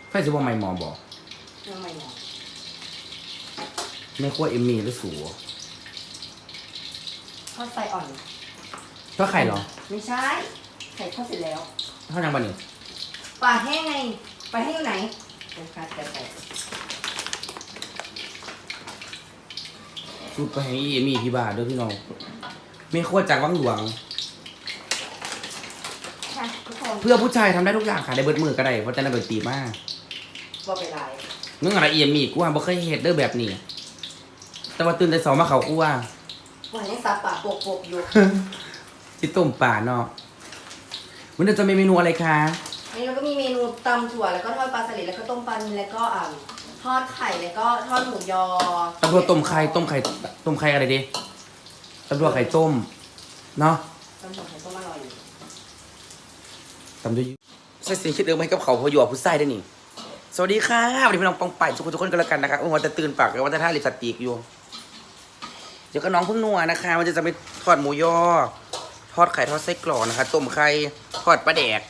ไฟจะว่าไม่หมอบอกยังไม่หมอไม่ขั้วเอมมี่หรือสูทอดไฟอ่อนก็ไข่เหรอไม่ใช่ไข่ทอดเสร็จแล้วเท่านั้นบ้านี่ปลาแห้งไงปลาแห้งอยู่ไหนโอ้ค่ะแต่สูตรไปให้เอมมี่ที่บ้านด้วยพี่น้องไม่ขั้วจากวังหลวงค่ะทุกคนเพื่อผู้ชายทำได้ทุกอย่างค่ะได้เบิดมือก็ได้เพราะจะได้เบิดตีมากบ่เป็นไรเงื่อนอะไรเอมมี่กูว่าบ่เคยเฮ็ดเด้อแบบนี้ แต่ว่าตื่นแต่สองมาเขากูว่าวันนี้ซับปากโปกๆอยู่จิต้มป่าเนาะวันนี้จะมีเมนูอะไรคะอันนี้เราก็มีเมนูตำถั่วแล้วก็ทอดปลาสลิดแล้วก็ต้มปลานิลแล้วก็ทอดไข่แล้วก็ทอดหมูยอตำรวจต้มไข่อะไรดีตำรวจไข่ต้มเนาะตำถั่วไข่ต้มอร่อยอยู่ตำด้วยใส่สิ่งคิดเดิมให้กับเขาพออยู่กับผู้ใส่ได้นี่สวัสดีค่ะวันนี้พี่น้องปองไปทุกคนกันแล้วกันนะครับวันจะตื่นปากกับวันจะท่าลิปสติกอยู่เดี๋ยวก็น้องเพิ่งนัวนะคะมันจะไปทอดหมูยอทอดไข่ทอดไส้กรอกนะคะต้มไข่ทอดปลาแดก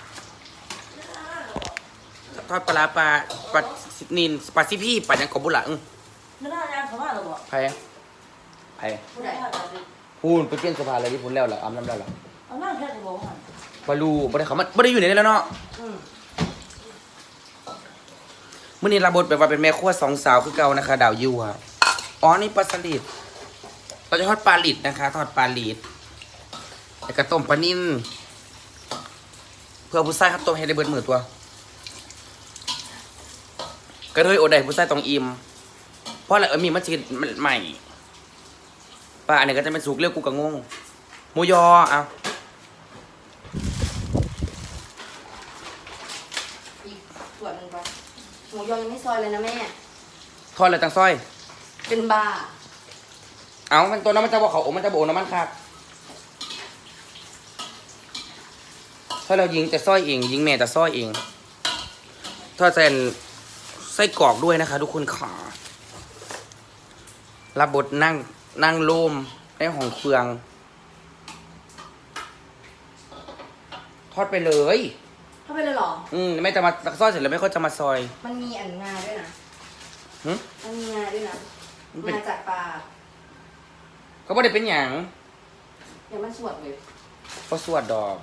ทอดปลาปลานินปลาซิพี่ปลายังกบบุหลังไม่น่ายากเขาว่าหรอบอกไผ่ผู้ใดพูนไปเปลี่ยนสภาอะไรที่พูนแล้วเหรออ้ำน้ำแล้วเหรอเอาหน้าแค่จะบอกว่าบาลูบ่ได้เขามันบ่ได้อยู่ในนี้แล้วเนาะอืมมื่อนี้รับบทแบบว่าเป็นแม่ครัวสองสาวคือเก่านะคะ ดาวยูค่ะอ๋อนี่ปลาสลิดเราจะทอดปลาลิดนะคะทอดปลาลิดแล้วก็ต้มปลานิ่นเพื่อผู้ชายครับต้มให้ได้เบิดมือตัวก็เลยโอดได้ผู้ชายต้องอิ่มเพราะอะไรมีมันจีมันใหม่ปลาอันนี้ก็จะเป็นสุกเรียวกูกะงงหมูยอเอาอีกส่วนหนึ่งก่อนหมูยอยังไม่ซอยเลยนะแม่ทอดอะไรตังซ้อยเป็นบ้าเอามันตัวนั้นมันจะบอกเขาโอ้มันจะโบน้ำมันครับถ้าเรายิงจะซ้อยเองยิงแม่จะซ้อยเองถ้าจะไส้กรอกด้วยนะคะ ทุกคนขารับบทนั่งโลมในห้องเฟืองทอดไปเลยเข้าไปเลยเหรอไม่จะมาซอยเสร็จแล้วไม่ค่อยจะมาซอยมันมีอันงาด้วยนะหึมันมีงาด้วยนะมันเป็นงาจากปลาก็ไม่ได้เป็นอย่างเดี๋ยวมันสวดเลยก็สวดดอก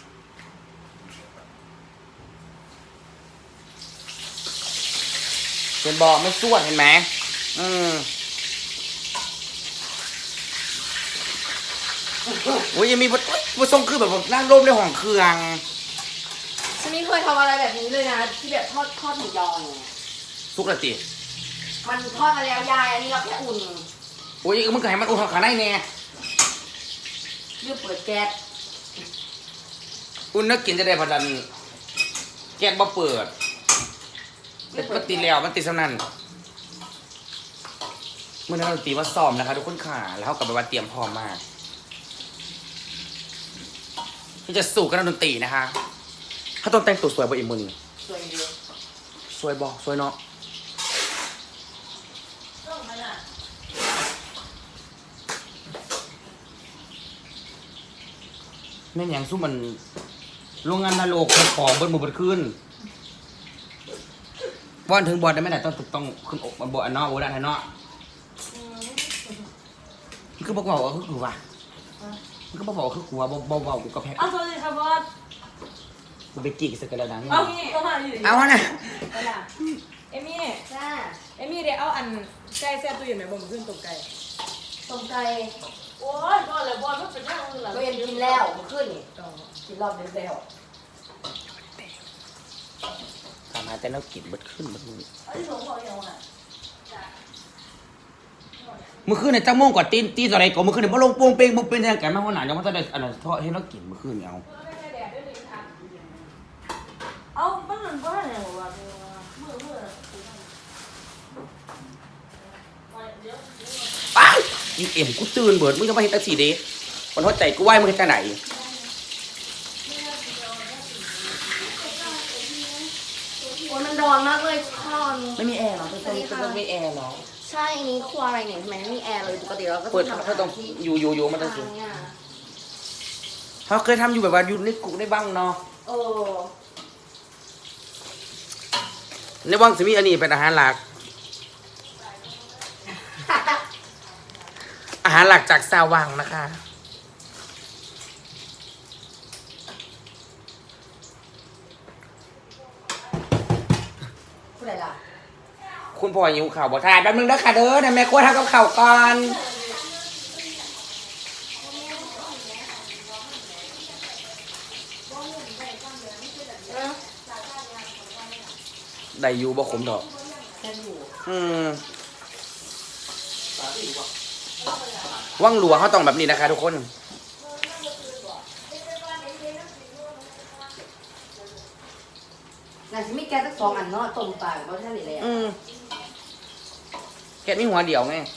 เป็นบอกไม่สวดเห็นไหมโอ้ยยังมีผู้ทรงคือแบบนั่งร่มในห้องเครื่องฉันไม่เคยทำอะไรแบบนี้เลยนะที่แบบทอดหมูยอเนี่ยสุกละติมันทอดมาแล้วยายอันนี้เราแค่อุ่นโอ้ยมึงก็ให้มันอุ่นขาได้แน่เลือกเปิดแก๊สอุ่นนักกินจะได้พอดันแก๊สบ่เปิดแต่มันติดแล้วมันติดสำนันเมื่อนั้นเราตีมาซ้อมนะคะทุกคนขาแล้วเขากลับไปว่าเตรียมพร้อมมากที่จะสู่กันดนตรีนะคะถ้าต้องแต่งตัวสวยบ่อีกมือนี่สวยเดียวสวยบ่สวยเนาะต้องไหมล่ะแม่นหยังสู้มันโรงงานนาโลกของบนหมู่บนขึ้นบอลถึงบอลได้ไหมแต่ต้องขึ้นอกมาบอลอันเนาะโอ้ด้านไทยเนาะมันคือบอกว่าคือกูว่ะมันก็บอกว่าคือกูว่าเบาๆกูก็แพ้เอาสวัสดีครับบอสกูไปจีกสักกระดังเอาเข้ามาอยู่ดีเอาน่ะไปล่ะเอมี่จ้าเอมี่เดี๋ยวเอาอันไก่แซ่บตัวอยู่ไหนบ่มขึ้นตกไก่ต้มไก่โอ้ยบอสเลยบอสมันเป็นแค่มือหลังก็ยังกินแล้วเมื่อคืนนี่กินรอบเดียวแล้วถามหาแต่เรากินเบิดขึ้นเบิดมือไอ้หลงบอกยังไงเมื่อคืนเนี่ยจ้าโมงกว่าตีอะไรก่อนเมื่อคืนเนี่ยพอลงโป่งเป้งบุกเป็นทางการมาหัวหน้ายังมันจะได้อันนั้นทอดให้เรากินเมื่อคืนเนี่ยเอาเอาบ้านบ้านเนี่ยบอกว่ามือไปอีเอ็มกูตื่นเบิดมึงจะมาเห็นตักสีเดย์มันหัวใจกูไหวมึงเห็นแต่ไหนโอ้ยมันร้อนมากเลยทอนไม่มีแอร์เหรอเป็นต้องมีแอร์เหรอใช่อันนี้ครัวอะไรเนี่ยทำไมไม่มีแอร์เลยปกติเราก็เปิดทำถ้าต้องที่อยู่มันต้องสูงเนี่ยเขาเคยทำอยู่แบบว่าอยู่ในกุได้บ้างเนาะเออในวังจะมีอันนี้เป็นอาหารหลัก อาหารหลักจากซาวังนะคะผู้ใดล่ะคุณพ่อหิวข่าวบ่ทานแป๊บนึงเด้อค่ะเด้อเดี๋ยวแม่กลัวทำกับข่าวก่อนได้อยู่บ่ขมดอกแค่อยู่ว่างหลวงเขาต้องแบบนี้นะคะทุกคนน่าจะมีแกสัก2 อันเนาะต้มปลาเพราะท่านนี่แหละแกมีหัวเดียวไง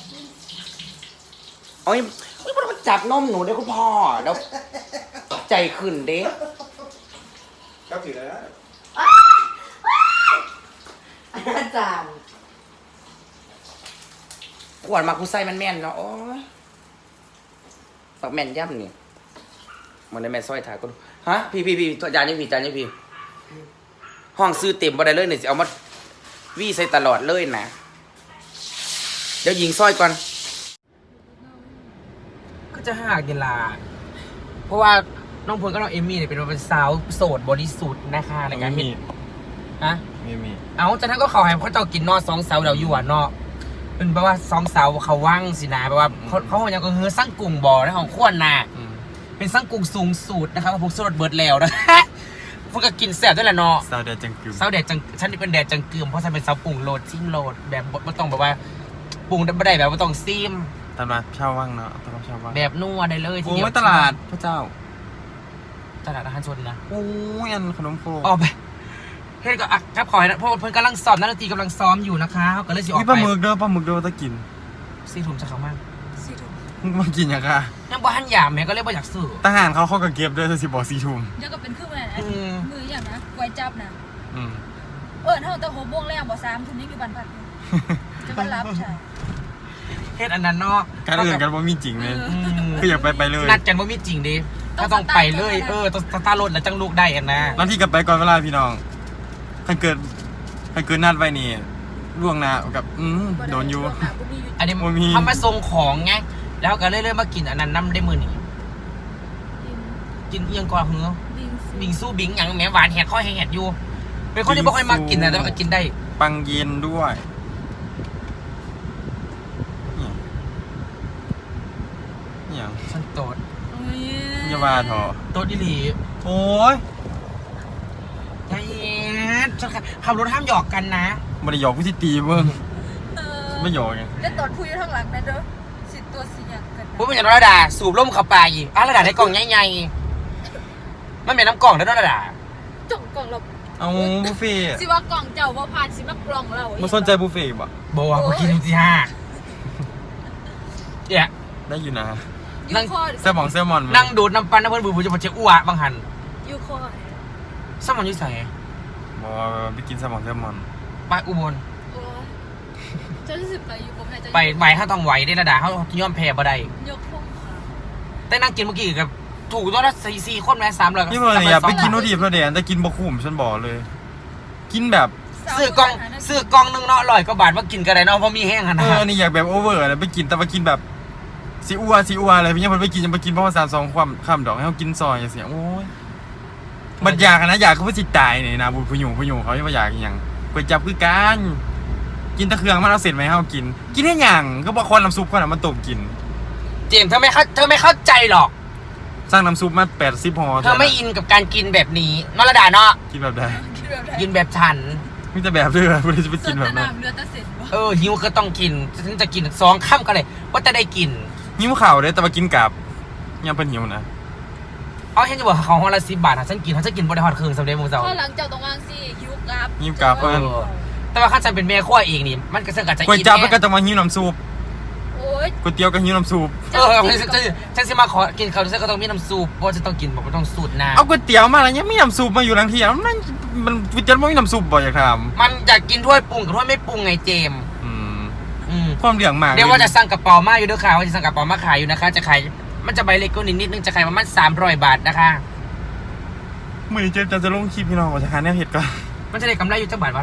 โอ้ยมันจับนมหนูเด้อคุณพ่อเดี๋ยวใจขึ้นเด้ก็ถือแล้วอาจารย์ขวดมากูใส่มันแม่นเนาะโอ้ยปักแม่นย่ำนี่มันได้แม่นสร้อยถาก็ดูฮะพี่ตัวจานนี่พี่ห้องซื้อเต็มบ่ได้เลยเนี่ยสิเอามาวี่ใส่ตลอดเลยนะเดี๋ยวยิงสร้อยก่อนก็จะหากเวลาเพราะว่าน้องพลกับน้องเอมมี่เนี่ยเป็นสาวโสดบริสุทธิ์นะคะในการมีฮะมีเอาจากนั้นก็เขาให้เขาเจ้ากินนอ2 เสาเดี๋ยวอยู่อ่ะเนาะเป็นแปลว่า2 เสาเขาว่างสินะแปลว่าเขาอย่างก็คือสร้างกลุ่มบ่อในของขวดน่ะเป็นสร้างกลุ่มสูงสุดนะครับพวกสดเบิร์ดแล้วนะพวกก็กินแซ่บด้วยแหละเนาะซาวเดจังกึมเสาแดดจังฉันนี่เป็นแดดจังกึมเพราะฉันเป็นเสาปรุงโหลดจิ้มโหลดแบบไม่ต้องแบบว่าปรุงไม่ได้แบบว่าต้องซีมตลาดเช่าว่างเนาะตลาดเช่าว่างแบบนัวได้เลยทีโอ้เดียวยตลาดพระเจ้าตลาดอาหารชนนะโอ้ยอันขนมโครออกไปเฮ้ยก็อ่ะครับขอให้นะเพราะเพิ่นกำลังซ้อมนักดนตรีกำลังซ้อมอยู่นะคะเขาก็เลยสิออกมีไปปลาหมึกเด้อตะกิน 4 ถุงจะเขามากมึงมากินยังค่ะยังบ่หันยามแม่ก็เลยบ่อยากซื้อทหารเขาก็เก็บด้วยถ้าสิบอก4 ทุ่มเดี๋ยวก็เป็นเครื่องมือนะอืมมืออย่างนะกวยจับนะอืมเท่าแต่6 โมงแรกบ่3 ทุ่มนี้อยู่บ้านพักอยู่จะมารับใช่เฮ็ดอันนั้นเนาะการอื่นกันว่ามีจริงเลยอืมคืออยากไปเลยนัดกันว่ามีจริงดิถ้าต้องไปเลยต้องสตาร์ทรถแล้วจังลูกได้อันนะแล้วที่กลับไปก่อนเวลาพี่น้องถ้าเกิดนัดไว้นี่ล่วงหน้ากับโดนอยู่อันนี้บ่มีทำมาส่งของไงแล้วก็เลยมากินอันนั้นน้ำได้มือนี่กินเอียงก่อนเหรอบิงสู้บิงอย่างแหมหวานแหกข้อแหกอยู่เป็นคนที่บ่ค่อยมากินนะแต่ว่าก็กินได้ปังเย็นด้วยเนี่ยฉันโตดอย่าว่าเถอะโตดอีหลีโอ้ยใจเย็นฉันขับรถห้ามหยอกกันนะมันหยอกผู้ที่ตีเบิ่งไม่หยอกไงแล้วตอนพูดอยู่ข้างหลังนะเด้อสิตัวสีอย่างกันนะพูดเป็นอย่างระดาสูบล่มเข้าไปอีกระดาในกล่องใหญ่ๆมันเป็นน้ำกล่องแล้วระดาจ่องกล่องเราเอาบุฟเฟ่ต์สิว่ากล่องเจ้าว่าผ่านสิมากล่องเรามาสนใจบุฟเฟ่ต์บ่บอกว่ากูกินที่ห้าเนี่ยได้อยู่นะยูคอแซลมอนไหมนั่งดูดน้ำปั้นน้ำเพื่อนบูบูจะมาเจ้าอ้วบางหันยูคอสมอนยิ่ใส่บอกไปกินแซลมอนไปอุบลโอ้จะรู้สึกไปอยู่ผมไหนจะไปไหวเขาต้องไหวได้ระดาเขาย่อมแพ้บ่ได้ยกพงค่ะแต่นั่งกินเมื่อกี้กับถูกตัวละสี่คนแม่300 นี่มันอย่าไปกินโนดีเพราะเดี๋ยวแต่กินบะขุ่มฉันบอกเลย กินแบบซื้อกล่องนึงเนาะ100 กว่าบาทว่ากินกันได้เนาะเพราะมีแห้งขนาดอันนี้อยากแบบโอเวอร์อะไรไปกินแต่ว่ากินแบบซีอัวอะไรพี่ยังมันไปกินยังไปกินเพราะว่า3-2ความข้ามดอกให้เขากินซอยอย่างเสียโอ้ยมันอยากนะอยากเขาไปจิตตายเนี่ยนะบุญพยุงเขาไม่อยากอย่างก๋วยจับคือการกินตะเครื่องมันเอาเสร็จไหมให้เขากินให้อย่างก็บอกคนน้ำซุปคนน่ะมันต้มกินเจมส์เธอไม่เข้าใจหรอกสร้างน้ำซุปมา80 ห่อเธอไม่อินกับการกินแบบนี้เนาะระดาเนาะกินแบบใดคิดแบบไหนกินแบบฉันมีแต่แบบเรือไม่ได้จะไปส่กิวน นแบตะบนั้นนามเรือตะเสร็จวะหิวก็ต้องกินฉันจะกิน2 ค่ำก็เลยว่าจะได้กินหิวข่าวเลยแต่ว่ากินกับยังเป็นหิวนะเอาฉันจะบอกเขาห้องละ10 บาทฉันกินบริหารเครื่องสำเร็จมึงเจ้าถ้าหลังจากตรงกลางสิฮิวกราฟหิวกับเพื่อนแต่ว่าข้าฉันเป็นแม่ขั้วเองนี่มันก็เสื่อมกับจะก๋วยอินจับแน่แล้วก็จะมาหิวน้ำซุปโอ้ยก๋วยเตี๋ยวก็หิวน้ำซุปฉันสิมาขอกินเขาฉันก็ต้องมีน้ำซุปเพราะฉันต้องกินบอกว่าต้องสูตรน้เอาก๋วยเตี๋ยวมาแล้วยังไม่น้ำซุปมาอยู่หลังเที่ยวมันก๋วยเตี๋ยวไม่มีน้ำซุปบ่อยากทำมันอยากกินถ้วยปรุงกับถ้วยไม่ปรุงไงเจมำความเหลืองมากเดี๋ยวว่าจะสั่งกระเป๋ามาอยู่ด้วยค่ะว่าจะสั่งกระเป๋ามาขายอยู่นะคะจะขายมันจะใบเล็กก็นิดนึงจะขายประมาณ300 บาทนะคะมือนี้เจมจะลงคลิปพี่น้องว่าจะหาแนวเห็ดก่อนมันจะได้กำไรอยู่จักบาทว่า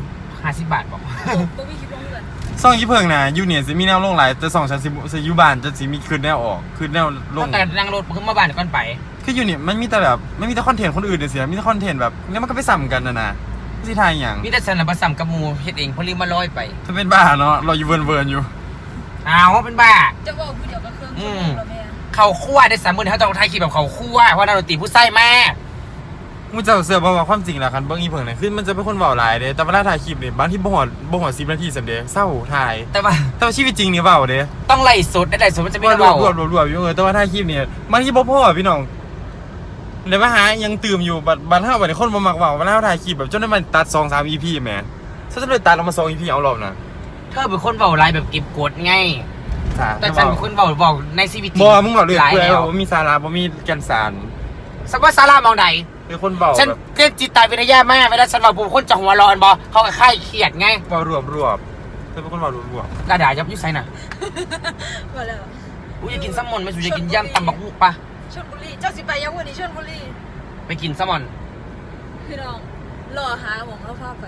50 บาทบอกบ่มีคลิปลงเดือนซ่องยี่เพิงนะยูเนี่ยสิมีแนวลงหลายแต่ซ่องฉันสิยูบานจะสิมีคืนแนวออกคืนแนวลงแต่นั่งรถขึ้นมาบ้านก่อนไปคือยูเนี่ยมันมีแต่แบบไม่มีแต่คอนเทนต์คนอื่นเสียมีแต่คอนเทนต์แบบแล้วมันก็ไปซ้ำกันนะสิทายอย่างมีแต่ฉันน่ะบ่ซ้ำกับหมู่เฮ็ดเองเพราะลืมมาลอยไปถ้าเป็นบ้าเนาะเราอยู่เวิร์นอยู่อ้าวเป็นบ้าจะบอกผู้เดียวก็เครื่องชั่วโมงแล้วแม่เขาคั่วได้30,000เขาต้องถ่ายคลิปแบบเขาคั่วเพราะนักดนตรีผู้ใส่มากมึงจะเสือบอกว่าความจริงแหละคันเบิ้งอีเพิงเนี่ยคือมันจะเป็นคนเบาหลายเด้แต่เวลาถ่ายคลิปเนี่ยบางที่บ่หอ10 นาทีสำเด็จเศร้าถ่ายแต่ว่าแต่ว่าชีวิตจริงเนี่ยเบาเด้ต้องไล่สดได้ไล่สดมันจะไม่รได้เบาวบอยู่แต่ว่าถ่ายคลิปเนี่ยบางที่บ่พอพี่น้องเดี๋ยวมาหายังตื่มอยู่บัดเฮาบัดนี้คนบ่มักเว้าเวลาถ่ายคลิปแบบจนได้มันตัด 2-3 EP แหมฉันจะไปตัดออกมา2 EP เอารอบน่ะเธอเป็นคนเบาไลายแบบเก็บกดไง แต่ฉันเป็นคนเบาในชีวิตจริงบ่มึงบอกเลยหลายเพื่อแล้วบ่มีสาระบ่มีแก่นสารสักว่าซาร่ามองใดเป็นคนเบาฉันแบบเรียนจิตวิทยามากเวลาฉันบอกผมคนจะหัวร้อนบอเขาก็ค่ายเครียดไงเบารวบเป็นคนเบารวบกระดาษยับยุ่ยไซน่ะว่าแล้วอุ้ยอยากกินแซลมอนไหม่สุอยากกินย่ำตำบักหุ่งปะชลบุรีเจ้าสิไปยังวันนี้ชลบุรีไปกินแซลมอนพี่น้องรอหาหมองแล้วภาพไป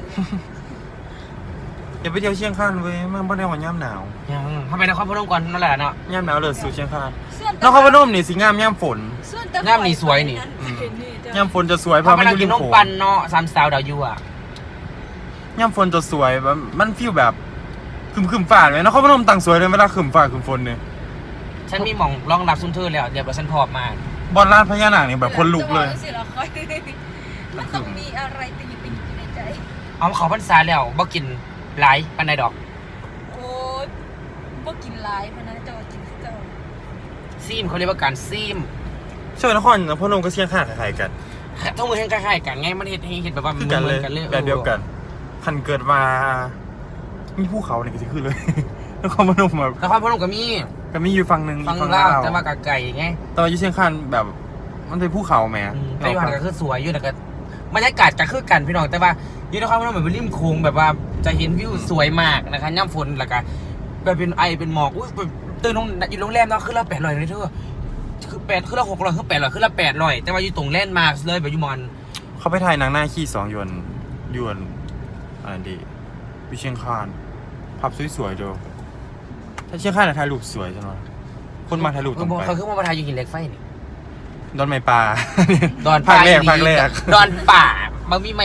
อย่าไปเที่ยวเชียงคานเว้ยมันบ่ได้ว่าย่ำหนาวยังทำไมนครพนมก่อนนั่นแหละเนาะย่ำหนาวเลยสู่เชียงคานส่วนนครพนมนี่สิงามย่ำฝนส่วนแต่งามนี่สวยนี่ย่ำฝนจะสวยเพพอราะมัมัน นอยู่กิรินมนมโขงปันเนาะสามสาวดาวยูอ่ะย่ำฝนจะสวยแบบมันฟีลแบบคึมฟ้าเลยนครพนมต่างสวยเลยเวลาคึมฟ้าคึมฝนเนี่ยฉันมีหม่องรองรับซุนเทอร์แล้วเดี๋ยวฉันพร้อมมาบอลลาดพญานาคเนี่ยแบบคนลุกเลยจะบอกสิละค่อยมันต้องมีอะไรติดอยู่ในใจเอาเขาพรรษาแล้วบ่กินหลายปันใดดอกโอ้ยบ่กินหลายเพราะนั้นเจ้ากินเจ้าซีมเขาเรียกว่าการซีมเชื่อนครพนมก็เชียงคานคล้ายๆกันทั้งมือแห่งคล้ายๆกันไงมันเห็นแบบว่าคือกันเลยหมืแบบเดียวกันคันเกิดมามีภูเขาเนี่ยก็จะขึ้นเลย นครพนมแบบนครพนมก็มีก็มีอยู่ฝั่งหนึ่งฟังฝั่งเล่าลาวแต่ว่ากะไก่ไงแต่ว่าอยู่เชียงคานแบบมันเป็นภูเขาแหมแต่อยู่หันก็คือสวยอยู่แต่ก็บรรยากาศก็คือกันพี่น้องแต่ว่าอยู่นครพนมเหมือนเป็นริมโค้งแบบว่าจะเห็นวิวสวยมากนะคะย่ำฝนแล้วก็แบบเป็นไอเป็นหมอกอุ้ยแบบตื่นลงอยู่โรงแรมเนาะขึ้นละ800เลยเธอคือ8ขึ้นละ600ขึ้น800ขึ้นละ800แต่ว่าอยู่ตรงแลนด์มาร์คเลยแบบอยู่มอนเขาไปถ่ายหนังหน้าขี้2 ยวนอะไรดีวิเชียงคานภาพสวยๆเด้อถ้าเชียงคานถ่ายรูปสวยจังเลยคนมาถ่ายรูปตรงไปเขาขึ้นมาประทายอยู่หินเหล็กไฟนี่ดอนไม้ปลาดอนภาคแรกดอนป่ามันมีใหม่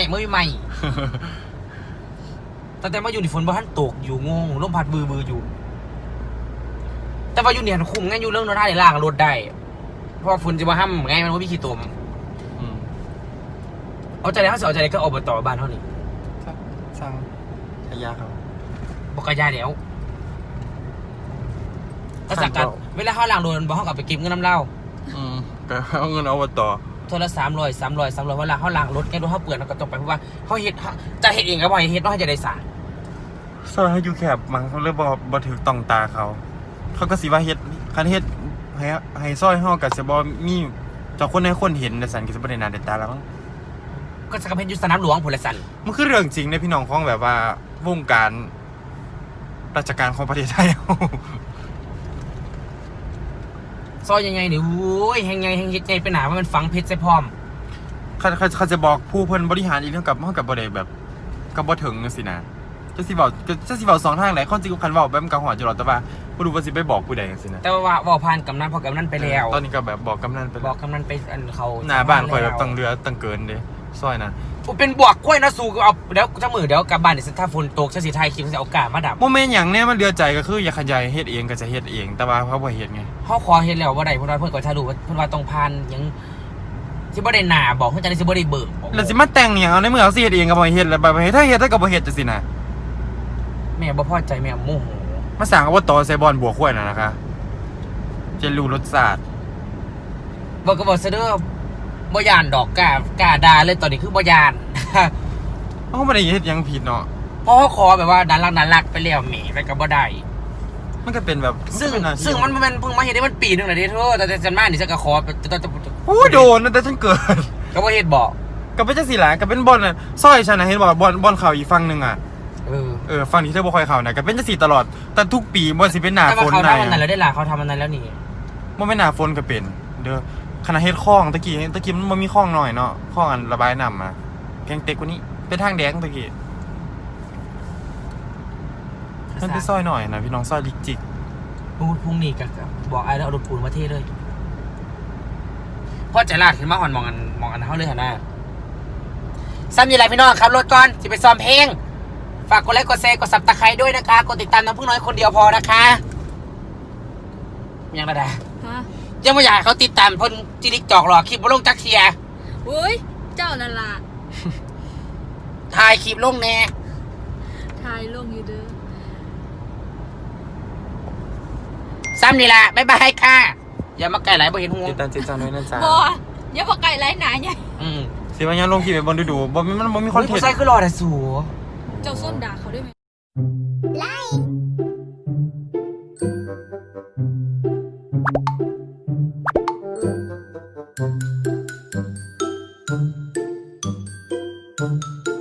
แต่มาอยู่ในฝนบ่ทันตกอยู่งงลมพัดบืออยู่ แต่ว่าอยู่เนี่ยคุ้มไงอยู่เรื่องรถท่าได้ล่างรถได้เพราะว่าฝนจะมาห้ำไงมันว่ามีขี้ตมอืมเอาใจได้เขาเสียเอาใจได้ก็อบตบ้านเท่านี้สร้างขยะครับบอกกระยาแล้วก็สักกันเวลาเขาล้างรถบอกเขากลับไปเก็บเงินน้ำเหล้าก็เอาเงินเอาต่อโทรละ300เวลาเขาล้างรถแกรถเขาเปื่อนเขาก็ต้องไปเพราะว่าเขาเฮ็ดจะเฮ็ดเองก็บ่ให้เฮ็ดเนาะให้จะได้สาซอยให้อยู่แคบมั้งเขาเลยบ่ถือต้องตาเขาก็สิว่าเฮ็ดคันเฮ็ดให้ซอยเฮาก็สิบ่มีเจ้าคนให้คนเห็นแต่สันก็สิบ่ได้หน้าได้ตาแล้วมั้งก็จะกระเพนยุสนามหลวงพลสันมันคือเรื่องจริงในพี่น้องของแบบว่าวงการราชการของประเทศไทยซอยยังไงเนี่ยโอ้ยแหงไงแหงเฮ็ดไงไปหนาว่ามันฝังเพชรใส่พร้อมเขาจะบอกผู้เพิ่นบริหารอีกเรื่องกับมันกับบ่ได้แบบกับบ่ถึงจังซี่นะจะสิเว้า2ทางแหละคนจริงคันเว้าแบบมันก็ฮอดอยู่หรอกแต่ว่าบ่รู้ว่าสิไปบอกผู้ใดจังซี่นะแต่ว่าเว่าผ่านกำนันพอกำนันไปแล้วตอนนี้ก็แบบบอกกำนันไปบแล้อวกกำนันไปอันเขาหน้าบ้านข่อยแบบตั้งเรือตั้งเกินเด้ซอยนะเป็นบวกกล้วยนะสูเอาเดี๋ยวถ้ามือเดี๋ยวกลับบ้านเดี๋ยวถ้าฝนตกจะสิไทยคลิปจะเอากามาดับโมเมนต์อย่างเนี้ยมันเดือดใจก็คืออยากขยายเฮ็ดเองก็จะเฮ็ดเองแต่ว่าเขาบ่เฮ็ดไงเขาขอเฮ็ดแล้วว่าใดเพิ่นว่าเพิ่นก็ถ่ายรูปเพิ่นว่าต้องผ่านหยังสิบ่ได้หน้าบอกเพิ่นจะได้สิบ่ได้เบิกแล้วสิมาแต่งเนี่ยเอาในเมื่อเขาสิเฮ็ดเองก็บ่เฮ็ดแล้วบ่เฮ็ดถ้าเฮ็ดก็บ่เฮ็ดจังซี่นะแม่บ่พอใจแม่โมโหมาสั่งอบตใส่บอลบัวข้วยน่ะนะคะจะรู้รสชาติบอกก็บอกซะเด้อบ่ย่านดอกกล้าด่าเลยตอนนี้คือบ่ย่านเขาบ่ได้เฮ็ดหยังผิดเนาะเพราะเขาขอแบบว่าน่ารักไปแล้วแหม่ไปก็บ่ได้มันก็เป็นแบบซึ่งเป็หาที่มันเพิ่งมาเฮ็ดได้มันปีนึงน่ะเด้เธอแต่ฉันมานี่ฉันก็ขอจะโอ้โดนนะแต่ฉันเกิดก็บ่เฮ็ดบอกก็เป็นจังซี่ล่ะก็เป็นบอลน่ะซอยฉันน่ะเห็นบ่บอลเข้าอีกฝั่งนึงอ่ะ ฝั่งที่เธอบ่ค่อยเข้าน่ะก็เป็นจังซี่ตลอดแต่ทุกปีบ่สิเป็นหน้าแต่ฝว่าน เขาได้ทำอันนั้นแล้วได้ล่ะเขาทำอันนั้นแล้วนี่บ่แม่นหน้าฝนก็เป็นเด้อขณะเฮ็ดคลองตะกี้มันบ่มีคลองน้อยเนาะคลองอันระบายน้ำอ่ะแกงเต็กกว่านี้เป็นทางแดงตะกี้มันซะไปซอยหน่อยนะพี่น้องซอยลิกจิกพรุ่งนี้ก็บอกไอ้แล้วเอารถปูนมาเทเลยพ่อใจลาดขึ้นมาอ่อนมองอันเท่าเลยฮะน่าซ้ำยังไรพี่น้องครับรถก่อนจะไปซ้อมเพลงฝากกดไลค์กดแชร์กดซับตะไคร้ด้วยนะคะกดติดตามน้ำพึ่งน้อยคนเดียวพอนะคะยังระดาฮะยังไม่อยากให้เขาติดตามเพนจิริกจอกหรอกคลิปบลงจักเทียเฮ้ยเจ้านั่นล่ะถ่ายคลิปลงแน่ทายลงอยู่เด้อซ้ำนี่แหละบ๊ายบายค่ะอย่ามาไกลไหลบ่เห็นหัวติดตามเจจันด้วยนะจ๊ะบ่อย่าบอกไก่ไรหนาใหญ่สิว่ายังลงคลิปไปบนดูบ่มีคอนเทนผู้ต์ชายคือรอแต่สูเจ้าส้นด่าเขาได้ไหมไ